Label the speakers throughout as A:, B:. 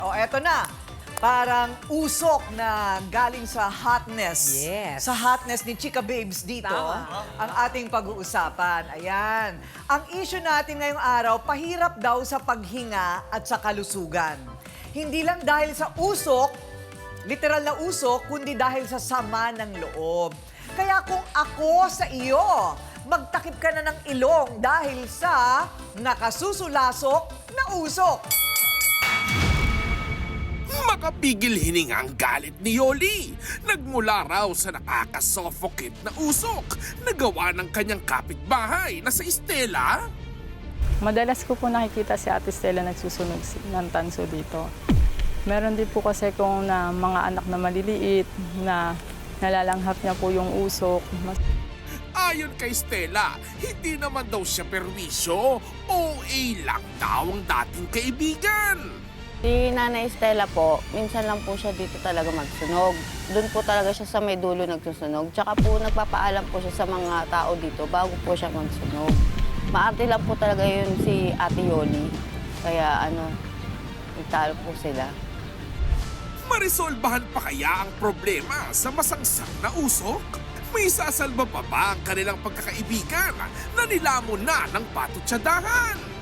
A: O, eto na. Parang usok na galing sa hotness.
B: Yes.
A: Sa hotness ni Chika Babes dito,
B: Tama.
A: ang ating pag-uusapan. Ayan. Ang issue natin ngayong araw, pahirap daw sa paghinga at sa kalusugan. Hindi lang dahil sa usok, literal na usok, kundi dahil sa sama ng loob. Kaya kung ako sa iyo, magtakip ka na ng ilong dahil sa nakasusulasok na usok.
C: Makapigil hininga ang galit ni Yoli. Nagmula raw sa nakakasuffocate na usok na gawa ng kanyang kapitbahay na sa Estela.
D: Madalas ko po nakikita si Ate Stella nagsusunog ng tanso dito. Meron din po kasi kung na mga anak na maliliit na nalalanghap niya po yung usok.
C: Ayon kay Stella, hindi naman daw siya perwisyo. OA lang daw ang dating kaibigan.
E: Si Nanay Stella po, minsan lang po siya dito talaga magsunog. Doon po talaga siya sa may dulo nagsusunog. Tsaka po nagpapaalam po siya sa mga tao dito bago po siya magsunog. Maarte lang po talaga yun si Ate Yoli. Kaya italo po sila.
C: Marisolbahan pa kaya ang problema sa masangsang na usok? May sasalba pa ba ang kanilang pagkakaibigan na nilamon na ng patutsadahan?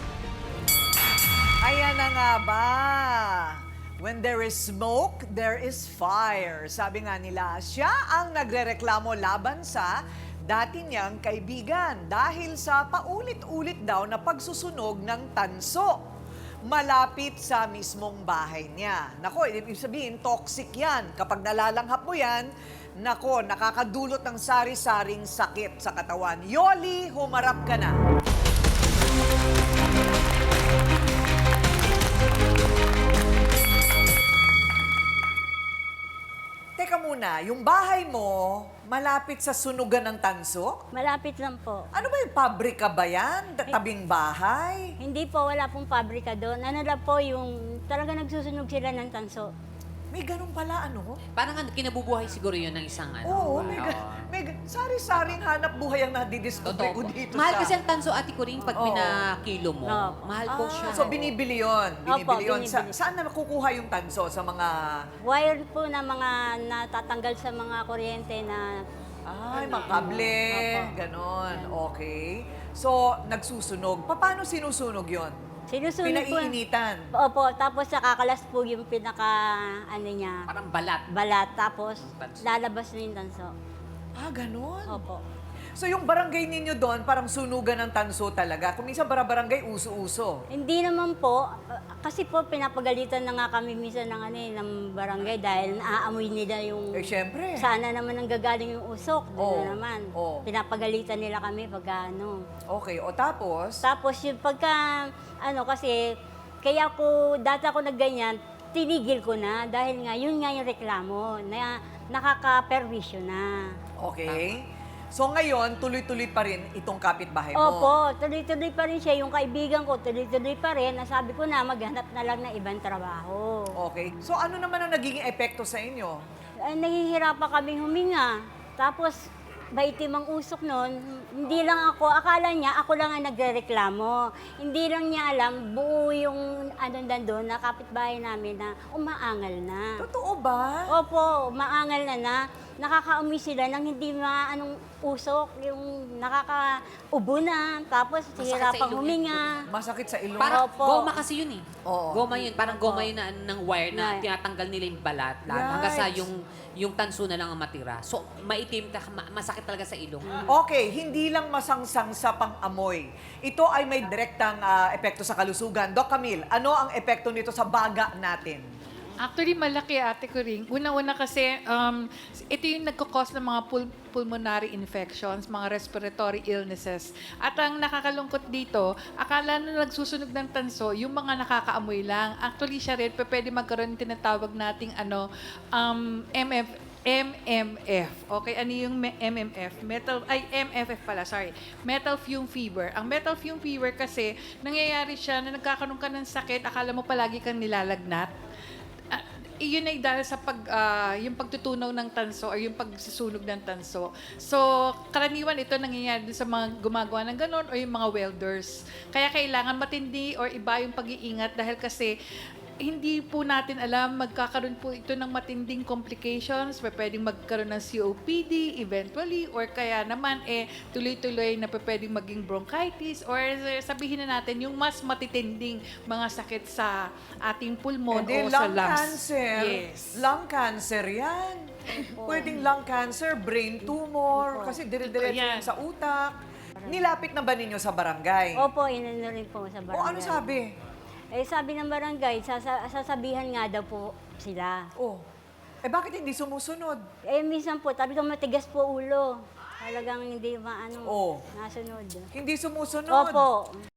A: Ayan na nga ba? When there is smoke, there is fire. Sabi nga nila, siya ang nagrereklamo laban sa dati niyang kaibigan dahil sa paulit-ulit daw na pagsusunog ng tanso malapit sa mismong bahay niya. Nako, ibig sabihin, toxic yan. Kapag nalalanghap mo yan, nako, nakakadulot ng sari-saring sakit sa katawan. Yoli, humarap ka na. Teka muna, yung bahay mo, malapit sa sunugan ng tanso?
F: Malapit lang po.
A: Ano ba yung pabrika ba yan? Tabing bahay?
F: Hindi po, wala pong pabrika doon. Ano lang po yung talaga nagsusunog sila ng tanso.
A: May ganun pala, ano?
B: Parang kinabubuhay siguro yun ng isang
A: Oo, sari-saring hanap buhay ang nadidiscover ko
B: Totoo po.
A: dito
B: Mahal
A: sa...
B: kasi ang tanso, Ate Coring, pag
A: Oo.
B: pinakilo mo.
F: Oo.
B: Mahal po siya.
A: So, binibili yun. Binibili yun.
F: binibili.
A: Saan na nakukuha yung tanso? Sa mga...
F: Wire po na mga natatanggal sa mga kuryente na
A: Ay, mga kable.
F: Opo.
A: Ganon. Okay. So, nagsusunog. Paano sinusunog yun?
F: sinusunog po.
A: Pinaiinitan.
F: Opo, tapos nakakalas po yung pinaka, niya,
B: Parang balat.
F: balat. Tapos
B: Tanso.
F: lalabas na yung tanso.
A: Ah, ganon.
F: Opo.
A: So, yung barangay ninyo doon, parang sunugan ng tanso talaga. Kung minsan barangay, uso-uso.
F: Hindi naman po, kasi po pinapagalitan na nga kami minsan ng barangay dahil naaamoy nila yung...
A: Eh, syempre.
F: Sana naman ang gagaling yung usok, doon
A: Oo.
F: na naman.
A: Oo.
F: Pinapagalitan nila kami pagka
A: Okay, o tapos?
F: Tapos yung pagka, kasi, kaya ko, dati ako nagganyan, tinigil ko na dahil nga, yun nga yung reklamo, na nakaka-perwisyo na.
A: Okay. So ngayon, tuloy-tuloy pa rin itong kapitbahay mo.
F: Opo, tuloy-tuloy pa rin siya. Yung kaibigan ko, tuloy-tuloy pa rin. Nasabi ko na, maghanap na lang ng ibang trabaho.
A: Okay. So ano naman ang nagiging epekto sa inyo?
F: Nahihirapan kaming huminga. Tapos, maitim ang usok noon. Hindi lang ako, akala niya ako lang ang nagrereklamo. Hindi lang niya alam, buo yung doon na kapitbahay namin na umaangal na.
A: Totoo ba?
F: Opo, umaangal na. Nakakaamoy sila ng hindi maanong usok, yung nakakaubo na, tapos
B: Masakit sa
F: hihirapang
B: ilong
F: huminga.
A: Masakit sa ilong.
B: Parang
F: Opo.
B: goma kasi yun eh.
A: Oo.
B: Goma yun. Parang goma yun ng wire na
F: Right.
B: tinatanggal nila yung balat.
A: Right.
B: Hanggang sa yung tanso na lang ang matira. So, maitim ka, masakit talaga sa ilong.
A: Okay, hindi lang masangsang sa pang-amoy. Ito ay may direktang epekto sa kalusugan. Doc Camille, ano ang epekto nito sa baga natin?
G: Actually, malaki, Ate Coring. Una-una kasi, ito yung nagkakos ng mga pulmonary infections, mga respiratory illnesses. At ang nakakalungkot dito, akala na nagsusunog ng tanso, yung mga nakakaamoy lang. Actually, siya rin, pwede magkaroon ng tinatawag nating MMF. Okay, ano yung MMF? MFF pala, sorry. Metal fume fever. Ang metal fume fever kasi, nangyayari siya na nagkakaroon ka ng sakit, akala mo palagi kang nilalagnat. Yun ay dahil sa yung pagtutunaw ng tanso or yung pagsusunog ng tanso. So, karaniwan ito nangyayari sa mga gumagawa ng ganon o yung mga welders. Kaya kailangan matindi or iba yung pag-iingat dahil kasi hindi po natin alam, magkakaroon po ito ng matinding complications, pwedeng magkaroon ng COPD eventually, or kaya naman tuloy-tuloy na pwedeng maging bronchitis, or sabihin na natin yung mas matitinding mga sakit sa ating pulmon
A: Hindi,
G: o sa
A: lung
G: lungs.
A: cancer.
G: Yes.
A: Lung cancer yan. Pwedeng lung cancer, brain tumor, kasi dire-diretso
G: Yan.
A: yan sa utak. Nilapit na ba ninyo sa barangay?
F: Opo, inano rin po sa barangay.
A: O ano sabi?
F: Sabi ng barangay, sasabihan nga daw po sila.
A: Oh, bakit hindi sumusunod?
F: Minsan po, talagang matigas po ulo. Talagang hindi maano,
A: Oo.
F: nasunod.
A: Hindi sumusunod.
F: Opo.